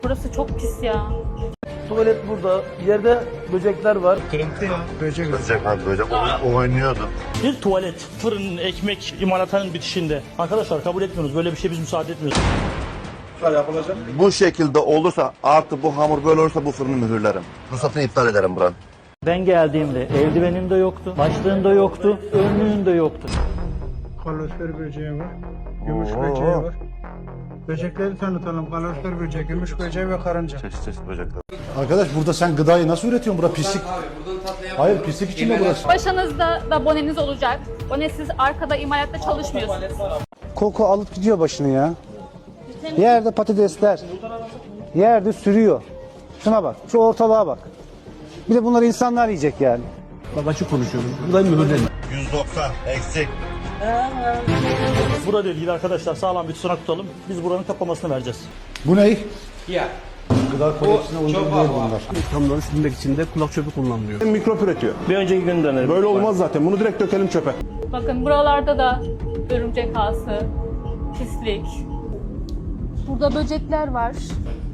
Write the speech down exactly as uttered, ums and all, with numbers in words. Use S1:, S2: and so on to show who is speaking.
S1: Burası çok pis ya.
S2: Tuvalet burada. Yerde böcekler var.
S3: Kırıntı ya. Böcek.
S4: Böcek abi böcek o- oynuyordu.
S5: Bir tuvalet, fırın, ekmek imalathanın bitişinde. Arkadaşlar kabul etmiyoruz. Böyle bir şey biz müsaade etmiyoruz.
S3: Yapılacak.
S4: Bu şekilde olursa artı bu hamur böyle olursa bu fırını mühürlerim. Ruhsatını iptal ederim buranın.
S5: Ben geldiğimde eldivenin de yoktu, başlığın da yoktu, önlüğün de yoktu.
S3: Kalorifer böceği var. Gümüş
S4: Oo.
S3: böceği var. Böcekleri tanıtalım. Kalorifer böceği, gümüş böceği ve karınca.
S4: Çeşit çeşit böcekler.
S6: Arkadaş burada sen gıdayı nasıl üretiyorsun? Burada pislik. Hayır pislik içinde burası.
S1: Başınızda da boneniz olacak. Bonesiz arkada imalatta çalışmıyorsunuz.
S7: Koku alıp gidiyor başını ya. Yerde patatesler. Yerde sürüyor. Şuna bak. Şu ortalığa bak. Bir de bunları insanlar yiyecek yani.
S4: yüz doksan eksik.
S5: Burada ilgili arkadaşlar sağlam bir tutanak tutalım. Biz buranın kapamasını vereceğiz.
S6: Bu ne?
S8: Ya.
S6: Gıda kodeksine uygun değil bunlar.
S8: İthamların sürmek için de kulak çöpü kullanılıyor.
S2: Mikrop üretiyor.
S5: Bir önceki gün dönelim.
S2: Böyle olmaz zaten. Bunu direkt dökelim çöpe.
S1: Bakın buralarda da örümcek ağası, pislik. Burada böcekler var.